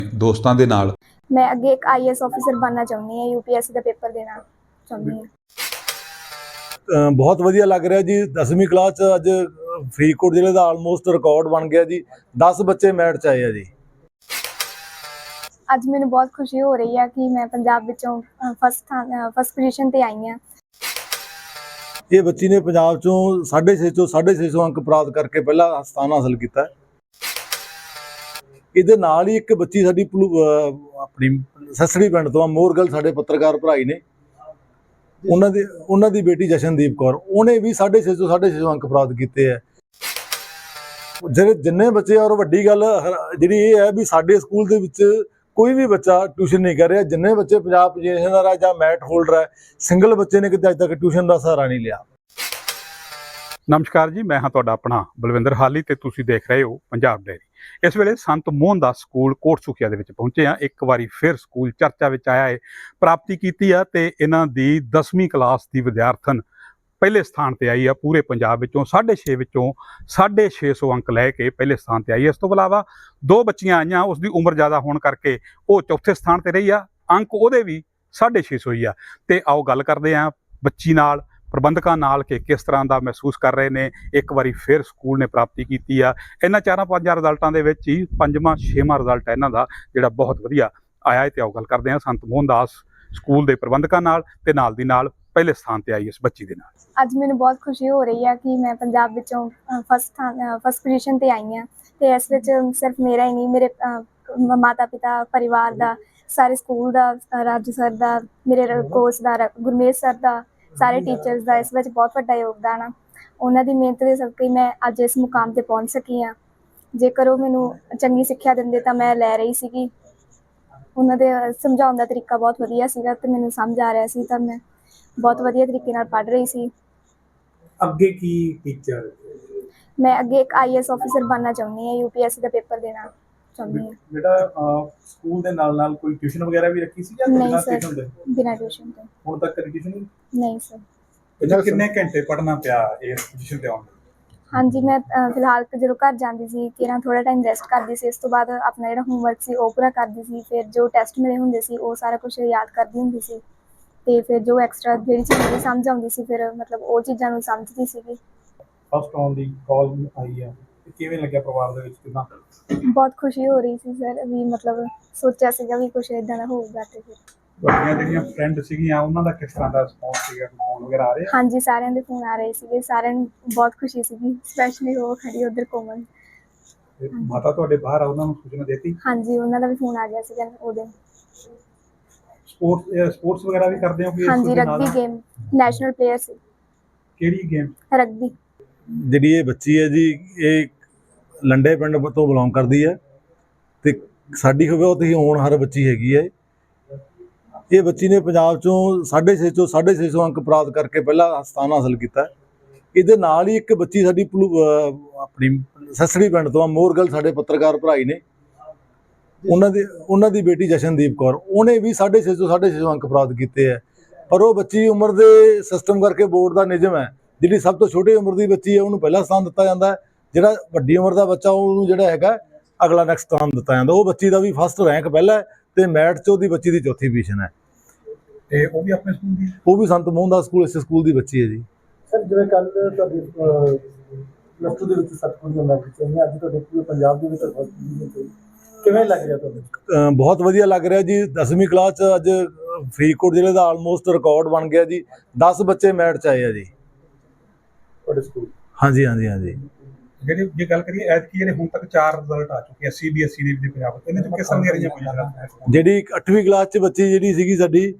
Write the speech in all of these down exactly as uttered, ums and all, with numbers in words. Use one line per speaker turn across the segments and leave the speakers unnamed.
ਦੋਸਤਾਂ ਦੇ ਨਾਲ
मैं अगे एक आई ए एस ऑफिसर बनना चाहती हूँ, यू पी एस सी का पेपर देना चाहती हूँ।
ਅ, ਬਹੁਤ ਵਧੀਆ ਲੱਗ ਰਿਹਾ ਜੀ। ਦਸਵੀਂ ਕਲਾਸ 'ਚ ਅੱਜ ਫਰੀਦਕੋਟ ਜ਼ਿਲ੍ਹੇ ਦਾ ਆਲਮੋਸਟ ਰਿਕਾਰਡ ਬਣ ਗਿਆ ਜੀ। ਦਸ ਬੱਚੇ ਮੈਰਿਟ 'ਚ ਆਏ ਆ ਜੀ।
ਅੱਜ ਮੈਨੂੰ ਬਹੁਤ ਖੁਸ਼ੀ ਹੋ ਰਹੀ ਹੈ ਕਿ ਮੈਂ ਪੰਜਾਬ ਵਿੱਚੋਂ ਫਸਟ ਫਸਟ ਪੋਜੀਸ਼ਨ ਤੇ ਆਈ ਹਾਂ।
ਇਹ ਬੱਚੀ ਨੇ ਪੰਜਾਬ 'ਚੋਂ ਸਾਢੇ ਛੇ ਚੋਂ ਸਾਢੇ ਛੇ ਸੌ ਅੰਕ ਪ੍ਰਾਪਤ ਕਰਕੇ ਪਹਿਲਾ ਸਥਾਨ ਹਾਸਲ ਕੀਤਾ। ਇਹਦੇ ਨਾਲ ਹੀ ਇੱਕ ਬੱਚੀ ਸਾਡੀ ਆਪਣੀ ਸਸੜੀ ਪਿੰਡ ਤੋਂ ਮੋਰਗਲ ਸਾਡੇ ਪੱਤਰਕਾਰ ਭਰਾਈ ਨੇ, ਉਹਨਾਂ ਦੀ ਉਹਨਾਂ ਦੀ ਬੇਟੀ ਜਸ਼ਨਦੀਪ ਕੌਰ, ਉਹਨੇ ਵੀ ਸਾਢੇ ਛੇ ਸੌ ਸਾਢੇ ਛੇ ਸੌ ਅੰਕ ਪ੍ਰਾਪਤ ਕੀਤੇ ਹੈ। ਜਿਹੜੇ ਜਿੰਨੇ ਬੱਚੇ ਔਰ ਵੱਡੀ ਗੱਲ ਜਿਹੜੀ ਇਹ ਹੈ ਵੀ ਸਾਡੇ ਸਕੂਲ ਦੇ ਵਿੱਚ ਕੋਈ ਵੀ ਬੱਚਾ ਟਿਊਸ਼ਨ ਨਹੀਂ ਕਰ ਰਿਹਾ। ਜਿੰਨੇ ਬੱਚੇ ਪੰਜਾਬ ਪੋਜੀਸ਼ਨਰ ਹੈ ਜਾਂ ਮੈਟ ਹੋਲਡਰ ਹੈ, ਸਿੰਗਲ ਬੱਚੇ ਨੇ ਕਿਤੇ ਅੱਜ ਤੱਕ ਟਿਊਸ਼ਨ ਦਾ ਸਹਾਰਾ ਨਹੀਂ ਲਿਆ।
ਨਮਸਕਾਰ ਜੀ, ਮੈਂ ਹਾਂ ਤੁਹਾਡਾ ਆਪਣਾ ਬਲਵਿੰਦਰ ਹਾਲੀ ਤੇ ਤੁਸੀਂ ਦੇਖ ਰਹੇ ਹੋ ਪੰਜਾਬ ਡੇਅਰੀ। ਇਸ ਵੇਲੇ ਸੰਤ ਮੋਹਨ ਦਾਸ ਸਕੂਲ ਕੋਟਸੁਖੀਆ ਦੇ ਵਿੱਚ ਪਹੁੰਚੇ ਹਾਂ। ਇੱਕ ਵਾਰੀ ਫਿਰ ਸਕੂਲ ਚਰਚਾ ਵਿੱਚ ਆਇਆ ਹੈ। ਪ੍ਰਾਪਤੀ ਕੀਤੀ ਆ ਤੇ ਇਹਨਾਂ ਦੀ ਦਸਵੀਂ ਕਲਾਸ ਦੀ ਵਿਦਿਆਰਥਣ ਪਹਿਲੇ ਸਥਾਨ ਤੇ ਆਈ ਆ। ਪੂਰੇ ਪੰਜਾਬ ਵਿੱਚੋਂ ਸਾਢੇ ਛੇ ਵਿੱਚੋਂ ਸਾਢੇ ਛੇ ਸੌ ਅੰਕ ਲੈ ਕੇ ਪਹਿਲੇ ਸਥਾਨ ਤੇ ਆਈ ਹੈ। ਇਸ ਤੋਂ ਇਲਾਵਾ ਦੋ ਬੱਚੀਆਂ ਆਈਆਂ, ਉਸ ਦੀ ਉਮਰ ਜ਼ਿਆਦਾ ਹੋਣ ਕਰਕੇ ਉਹ ਚੌਥੇ ਸਥਾਨ ਤੇ ਰਹੀ ਆ। ਅੰਕ ਉਹਦੇ ਵੀ ਸਾਢੇ ਛੇ ਸੌ ਹੀ ਆ। ਤੇ ਆਓ ਗੱਲ ਕਰਦੇ ਹਾਂ ਬੱਚੀ ਨਾਲ, ਪ੍ਰਬੰਧਕਾਂ ਨਾਲ ਕਿ ਕਿਸ ਤਰ੍ਹਾਂ ਦਾ ਮਹਿਸੂਸ ਕਰ ਰਹੇ ਨੇ। ਇੱਕ ਵਾਰੀ ਫਿਰ ਸਕੂਲ ਨੇ ਪ੍ਰਾਪਤੀ ਕੀਤੀ ਆ। ਇਹਨਾਂ ਚਾਰਾਂ ਪੰਜਾਂ ਰਿਜ਼ਲਟਾਂ ਦੇ ਵਿੱਚ ਹੀ ਪੰਜਵਾਂ ਛੇਵਾਂ ਰਿਜ਼ਲਟ ਹੈ ਇਹਨਾਂ ਦਾ, ਜਿਹੜਾ ਬਹੁਤ ਵਧੀਆ ਆਇਆ ਹੈ। ਤੇ ਆਓ ਗੱਲ ਕਰਦੇ ਹਾਂ ਸੰਤ ਮੋਹਨ ਦਾਸ ਸਕੂਲ ਦੇ ਪ੍ਰਬੰਧਕਾਂ ਨਾਲ ਤੇ ਨਾਲ ਦੀ ਨਾਲ ਪਹਿਲੇ ਸਥਾਨ ਤੇ ਆਈ ਇਸ ਬੱਚੀ ਦੇ ਨਾਲ।
ਅੱਜ ਮੈਨੂੰ ਬਹੁਤ ਖੁਸ਼ੀ ਹੋ ਰਹੀ ਹੈ ਕਿ ਮੈਂ ਪੰਜਾਬ ਵਿੱਚੋਂ ਫਸਟ ਫਸਟ ਪੋਜੀਸ਼ਨ ਤੇ ਆਈ ਹਾਂ। ਤੇ ਇਸ ਵਿੱਚ ਸਿਰਫ ਮੇਰਾ ਹੀ ਨਹੀਂ, ਮੇਰੇ ਮਾਤਾ ਪਿਤਾ, ਪਰਿਵਾਰ ਦਾ, ਸਾਰੇ ਸਕੂਲ ਦਾ, ਰਾਜੂ ਸਰ ਦਾ, ਮੇਰੇ ਕੋਚ ਦਾ, ਗੁਰਮੇਸ਼ ਸਰ ਦਾ, ਸਾਰੇ ਟੀਚਰਸ ਦਾ ਇਸ ਵਿੱਚ ਬਹੁਤ ਵੱਡਾ ਯੋਗਦਾਨ ਆ। ਉਹਨਾਂ ਦੀ ਮਿਹਨਤ ਦੇ ਸਦਕੇ ਮੈਂ ਅੱਜ ਇਸ ਮੁਕਾਮ ਤੇ ਪਹੁੰਚ ਸਕੀ ਹਾਂ। ਜੇਕਰ ਉਹ ਮੈਨੂੰ ਚੰਗੀ ਸਿੱਖਿਆ ਦਿੰਦੇ ਤਾਂ ਮੈਂ ਲੈ ਰਹੀ ਸੀਗੀ। ਉਹਨਾਂ ਦੇ ਸਮਝਾਉਣ ਦਾ ਤਰੀਕਾ ਬਹੁਤ ਵਧੀਆ ਸੀਗਾ ਤੇ ਮੈਨੂੰ ਸਮਝ ਆ ਰਿਹਾ ਸੀ, ਤਾਂ ਮੈਂ ਬਹੁਤ ਵਧੀਆ ਤਰੀਕੇ ਨਾਲ ਪੜ੍ਹ ਰਹੀ ਸੀ।
ਅੱਗੇ ਕੀ ਟੀਚਰ
ਮੈਂ ਅੱਗੇ ਇੱਕ ਆਈ ਏ ਐਸ ਆਫਿਸਰ ਬਣਨਾ ਚਾਹੁੰਦੀ ਹਾਂ, ਯੂ ਪੀ ਐਸ ਸੀ ਦਾ ਪੇਪਰ ਦੇਣਾ ਚਾਹੁੰਦੀ ਹਾਂ।
ਜਿਹੜਾ ਸਕੂਲ ਦੇ ਨਾਲ ਨਾਲ ਕੋਈ ਟਿਊਸ਼ਨ ਵਗੈਰਾ ਵੀ ਰੱਖੀ ਸੀ ਜਾਂ
ਨਹੀਂ ਸਰ, ਬਿਨਾਂ ਟਿਊਸ਼ਨ ਤੋਂ।
ਹੁਣ ਤੱਕ ਕਦੀ ਟਿਊਸ਼ਨ ਨਹੀਂ?
ਨਹੀਂ ਸਰ।
ਅੱਛਾ, ਕਿੰਨੇ ਘੰਟੇ ਪੜ੍ਹਨਾ ਪਿਆ ਇਸ ਪੋਜੀਸ਼ਨ ਤੇ ਆਉਣ ਲਈ?
ਹਾਂਜੀ, ਮੈਂ ਫਿਲਹਾਲ ਜਦੋਂ ਘਰ ਜਾਂਦੀ ਸੀ ਤੇਰਾਂ ਥੋੜ੍ਹਾ ਟਾਈਮ ਰੈਸਟ ਕਰਦੀ ਸੀ। ਇਸ ਤੋਂ ਬਾਅਦ ਆਪਣਾ ਜਿਹੜਾ ਹੋਮਵਰਕ ਸੀ ਉਹ ਪੂਰਾ ਕਰਦੀ ਸੀ। ਫਿਰ ਜੋ ਟੈਸਟ ਮਿਲੇ ਹੁੰਦੇ ਸੀ ਉਹ ਸਾਰਾ ਕੁਛ ਯਾਦ ਕਰਦੀ ਹੁੰਦੀ ਸੀ। ਤੇ ਫਿਰ ਜੋ ਐਕਸਟਰਾ ਜਿਹੜੀ ਚੀਜ਼ ਨਹੀਂ ਸਮਝ ਆਉਂਦੀ ਸੀ, ਫਿਰ ਮਤਲਬ ਉਹ ਚੀਜ਼ਾਂ ਨੂੰ ਸਮਝਦੀ ਸੀਗੀ।
ਫਸਟ ਆਉਣ ਦੀ ਕਾਲ ਆਈ ਹੈ ਤੇ ਕਿਵੇਂ ਲੱਗਿਆ ਪਰਿਵਾਰ ਦੇ ਵਿੱਚ? ਕਿੰਨਾ
ਬਹੁਤ ਖੁਸ਼ੀ ਹੋ ਰਹੀ ਸੀ ਸਰ, ਵੀ ਮਤਲਬ ਸੋਚਿਆ ਸੀਗਾ ਵੀ ਕੁਛ ਇੱਦਾਂ ਦਾ ਹੋਊਗਾ। ਤੇ ਫਿਰ
ਤੁਹਾਡੀਆਂ ਜਿਹੜੀਆਂ ਫਰੈਂਡ ਸੀਗੀਆਂ ਉਹਨਾਂ ਦਾ ਕਿਸ ਤਰ੍ਹਾਂ ਦਾ ਰਿਸਪੌਂਸ ਸੀਗਾ? ਫੋਨ ਵਗੈਰਾ ਆ ਰਹੇ?
ਹਾਂਜੀ, ਸਾਰਿਆਂ ਦੇ ਫੋਨ ਆ ਰਹੇ ਸੀਗੇ। ਸਾਰਿਆਂ ਨੂੰ ਬਹੁਤ ਖੁਸ਼ੀ ਸੀਗੀ, ਸਪੈਸ਼ਲੀ ਉਹ ਖੜੀ ਉੱਧਰ ਕੋਮਲ।
ਮਾਤਾ ਤੁਹਾਡੇ ਬਾਹਰ ਆ, ਉਹਨਾਂ ਨੂੰ ਸੂਚਨਾ ਦੇਤੀ?
ਹਾਂਜੀ, ਉਹਨਾਂ ਦਾ ਵੀ ਫੋਨ ਆ ਗਿਆ ਸੀਗਾ ਉਹਦੇ।
ਸਪੋਰਟਸ ਸਪੋਰਟਸ ਵਗੈਰਾ ਵੀ ਕਰਦੇ ਹੋ?
ਹਾਂਜੀ, ਰਗਬੀ ਗੇਮ ਨੈਸ਼ਨਲ ਪਲੇਅਰ ਸੀ।
ਕਿਹੜੀ ਗੇਮ?
ਰਗਬੀ।
ਜਿਹੜੀ ਇਹ ਬੱਚੀ ਹੈ ਜੀ, ਇਹ ਲੰਡੇ ਪਿੰਡ ਤੋਂ ਬਿਲੋਂਗ ਕਰਦੀ ਹੈ ਤੇ ਸਾਡੀ ਹੋਵੇ ਉਹ ਤੁਸੀਂ ਹੋਣਹਾਰ ਬੱਚੀ ਹੈਗੀ ਹੈ। ਇਹ ਬੱਚੀ ਨੇ ਪੰਜਾਬ 'ਚੋਂ ਸਾਢੇ ਛੇ ਚੋਂ ਸਾਢੇ ਛੇ ਸੌ ਅੰਕ ਪ੍ਰਾਪਤ ਕਰਕੇ ਪਹਿਲਾ ਸਥਾਨ ਹਾਸਲ ਕੀਤਾ। ਇਹਦੇ ਨਾਲ ਹੀ ਇੱਕ ਬੱਚੀ ਸਾਡੀ ਆਪਣੀ ਸਸੜੀ ਪਿੰਡ ਤੋਂ ਮੋਰਗਲ ਸਾਡੇ ਪੱਤਰਕਾਰ ਭਰਾਈ ਨੇ, ਉਹਨਾਂ ਦੀ ਉਹਨਾਂ ਦੀ ਬੇਟੀ ਜਸ਼ਨਦੀਪ ਕੌਰ, ਉਹਨੇ ਵੀ ਸਾਢੇ ਛੇ ਸੌ ਸਾਢੇ ਛੇ ਸੌ ਅੰਕ ਪ੍ਰਾਪਤ ਕੀਤੇ ਹੈ। ਪਰ ਉਹ ਬੱਚੀ ਉਮਰ ਦੇ ਸਿਸਟਮ ਕਰਕੇ ਬੋਰਡ ਦਾ ਨਿਯਮ ਹੈ, ਜਿਹੜੀ ਸਭ ਤੋਂ ਛੋਟੀ ਉਮਰ ਦੀ ਬੱਚੀ ਹੈ ਉਹਨੂੰ ਪਹਿਲਾ ਸਥਾਨ ਦਿੱਤਾ ਜਾਂਦਾ ਹੈ। ਜਿਹੜਾ ਵੱਡੀ ਉਮਰ ਦਾ ਬੱਚਾ ਉਹਨੂੰ ਜਿਹੜਾ ਹੈਗਾ ਅਗਲਾ ਨੈਕਸਟ ਸਥਾਨ ਦਿੱਤਾ ਜਾਂਦਾ। ਉਹ ਬੱਚੀ ਦਾ ਵੀ ਫਸਟ ਰੈਂਕ ਪਹਿਲਾ ਹੈ ਤੇ ਮੈਟ 'ਚ ਉਹਦੀ ਬੱਚੀ ਦੀ ਚੌਥੀ ਪੋਜੀਸ਼ਨ ਹੈ।
ਤੇ ਉਹ ਵੀ ਆਪਣੇ ਸਕੂਲ ਦੀ?
ਉਹ ਵੀ ਸੰਤ ਮੋਹਨ ਦਾਸ ਸਕੂਲ, ਇਸੇ ਸਕੂਲ ਦੀ ਬੱਚੀ ਹੈ ਜੀ।
ਸਰ, ਜਿਵੇਂ ਕੱਲ ਤੁਹਾਡੀ ਪਲੱਸ ਟੂ ਦੇ ਵਿੱਚ ਸੱਤ ਦੀਆਂ ਮੈਰਿਟ ਚਾਹੀਆਂ, ਅੱਜ ਤੁਹਾਡੇ ਪੂਰੇ ਪੰਜਾਬ ਦੇ ਵਿੱਚ ਕਿਵੇਂ ਲੱਗ ਰਿਹਾ ਤੁਹਾਨੂੰ?
ਬਹੁਤ ਵਧੀਆ ਲੱਗ ਰਿਹਾ ਜੀ। ਦਸਵੀਂ ਕਲਾਸ 'ਚ ਅੱਜ ਫਰੀਦਕੋਟ ਜ਼ਿਲ੍ਹੇ ਦਾ ਆਲਮੋਸਟ ਰਿਕਾਰਡ ਬਣ ਗਿਆ ਜੀ। ਦਸ ਬੱਚੇ ਮੈਰਿਟ 'ਚ ਆਏ ਆ ਜੀ
ਤੁਹਾਡੇ ਸਕੂਲ।
ਹਾਂਜੀ ਹਾਂਜੀ ਹਾਂਜੀ।
ਜਿਹੜੀ ਜੇ ਗੱਲ ਕਰੀਏ ਐਤਕੀ ਜਿਹੜੇ ਹੁਣ ਤੱਕ ਚਾਰ ਰਿਜ਼ਲਟ ਆ ਚੁੱਕੇ ਆ ਸੀ ਬੀ ਐਸ ਈ ਦੇ ਵਿੱਚ ਪੰਜਾਬ, ਇਹਨਾਂ 'ਚ ਕਿਸ ਤਰ੍ਹਾਂ ਦੀਆਂ ਰਹੀਆਂ ਪਈਆਂ?
ਜਿਹੜੀ ਅੱਠਵੀਂ ਕਲਾਸ 'ਚ ਬੱਚੀ ਜਿਹੜੀ ਸੀਗੀ ਸਾਡੀ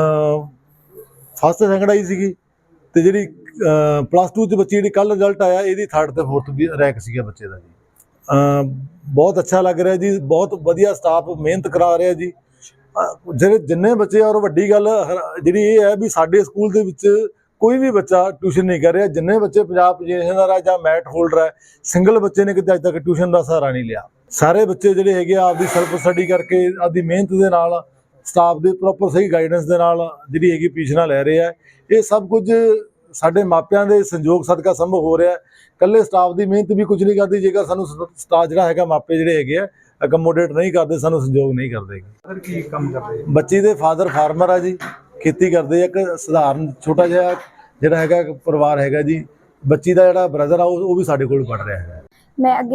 ਫਸਟ ਸੈਕਿੰਡ ਆਈ ਸੀਗੀ, ਤੇ ਜਿਹੜੀ ਪਲੱਸ ਟੂ 'ਚ ਬੱਚੀ ਜਿਹੜੀ ਕੱਲ੍ਹ ਰਿਜ਼ਲਟ ਆਇਆ ਇਹਦੀ ਥਰਡ ਤੇ ਫੋਰਥ ਵੀ ਰੈਂਕ ਸੀਗਾ ਬੱਚੇ ਦਾ ਜੀ। ਬਹੁਤ ਅੱਛਾ ਲੱਗ ਰਿਹਾ ਜੀ, ਬਹੁਤ ਵਧੀਆ ਸਟਾਫ ਮਿਹਨਤ ਕਰਾ ਰਿਹਾ ਜੀ। ਜਿਹੜੇ ਜਿੰਨੇ ਬੱਚੇ ਔਰ ਵੱਡੀ ਗੱਲ ਜਿਹੜੀ ਇਹ ਹੈ ਵੀ ਸਾਡੇ ਸਕੂਲ ਦੇ ਵਿੱਚ ਕੋਈ ਵੀ ਬੱਚਾ ਟਿਊਸ਼ਨ ਨਹੀਂ ਕਰ ਰਿਹਾ। ਜਿੰਨੇ ਬੱਚੇ ਪੰਜਾਬ ਪੋਜੀਸ਼ਨਰ ਹੈ ਜਾਂ ਮੈਟ ਹੋਲਡਰ ਹੈ, ਸਿੰਗਲ ਬੱਚੇ ਨੇ ਕਿਤੇ ਅੱਜ ਤੱਕ ਟਿਊਸ਼ਨ ਦਾ ਸਹਾਰਾ ਨਹੀਂ ਲਿਆ। ਸਾਰੇ ਬੱਚੇ ਜਿਹੜੇ ਹੈਗੇ ਆ ਆਪਦੀ ਸੈਲਫ ਸਟੱਡੀ ਕਰਕੇ, ਆਪਦੀ ਮਿਹਨਤ ਦੇ ਨਾਲ, ਸਟਾਫ ਦੇ ਪ੍ਰੋਪਰ ਸਹੀ ਗਾਈਡੈਂਸ ਦੇ ਨਾਲ ਜਿਹੜੀ ਹੈਗੀ ਪੋਜੀਸ਼ਨਾਂ ਲੈ ਰਹੇ ਆ। ਇਹ ਸਭ ਕੁਝ ਸਾਡੇ ਮਾਪਿਆਂ ਦੇ ਸੰਯੋਗ ਸਦਕਾ ਸੰਭਵ ਹੋ ਰਿਹਾ। ਇਕੱਲੇ ਸਟਾਫ ਦੀ ਮਿਹਨਤ ਵੀ ਕੁਝ ਨਹੀਂ ਕਰਦੀ ਜੇਕਰ ਸਾਨੂੰ ਸਟਾਫ ਜਿਹੜਾ ਹੈਗਾ, ਮਾਪੇ ਜਿਹੜੇ ਹੈਗੇ ਆ ਅਕਮੋਡੇਟ ਨਹੀਂ ਕਰਦੇ, ਸਾਨੂੰ ਸੰਯੋਗ ਨਹੀਂ ਕਰਦੇ।
ਸਰ ਕੀ ਕੰਮ ਕਰਦੇ
ਬੱਚੀ ਦੇ ਫਾਦਰ ਫਾਰਮਰ ਆ ਜੀ, ਖੇਤੀ ਕਰਦੇ ਆ। ਇੱਕ ਸਧਾਰਨ ਛੋਟਾ ਜਿਹਾ ਜਿਹੜਾ ਹੈਗਾ ਇੱਕ ਪਰਿਵਾਰ ਹੈਗਾ ਜੀ। ਬੱਚੀ ਦਾ ਜਿਹੜਾ ਬ੍ਰਦਰ ਆ ਉਹ ਉਹ ਵੀ ਸਾਡੇ ਕੋਲ ਪੜ੍ਹ ਰਿਹਾ ਹੈ।
ਮੈਂ ਅੱਗੇ